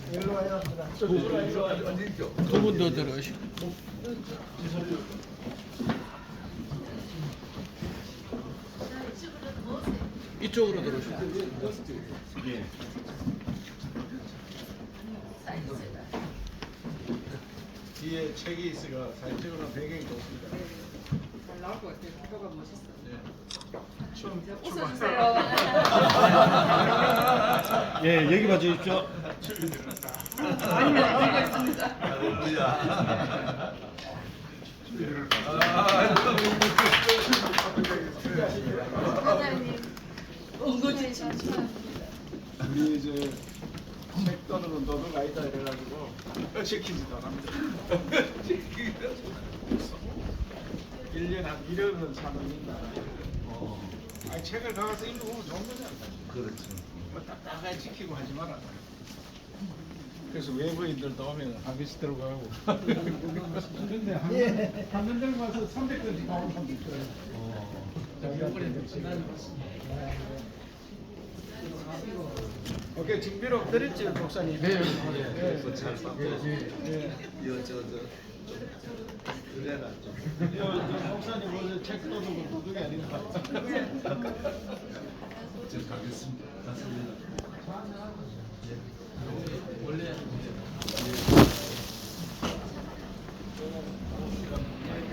일로 와요. 두 분 더 들어오시고. 이쪽으로 들어오시고. 예. 뒤에 책이 있으니까 사진 찍으면 배경이 좋습니다. 잘 나올 것 같아요. 표가 멋있어. 웃어주세요. 예, 여기 봐주십시오. 많이 알고 있습니다. 사장님, 은거지 칭찬. 우리 이제 책 떠는 너도 아니다 이래가지고 시키지도 않습니다. 1년에 한 1억은 사놓는다. 아니 책을 가서 읽어보면 좋은 거잖아. 그렇죠. 뭐 딱딱하게 지키고 하지 마라. 그래서 외부인들도 오면 한 비씩 들어가고. 근데 한 달 가서 300건씩 나오는 사람도 있어요. 오케이, 징비록 드렸지, 목사님? 네. 그래서 잘 받고 이거 그래라 좀. 목사님 오늘 책 떠는 거 도둑이 아닌가? 저 가겠습니다. 원래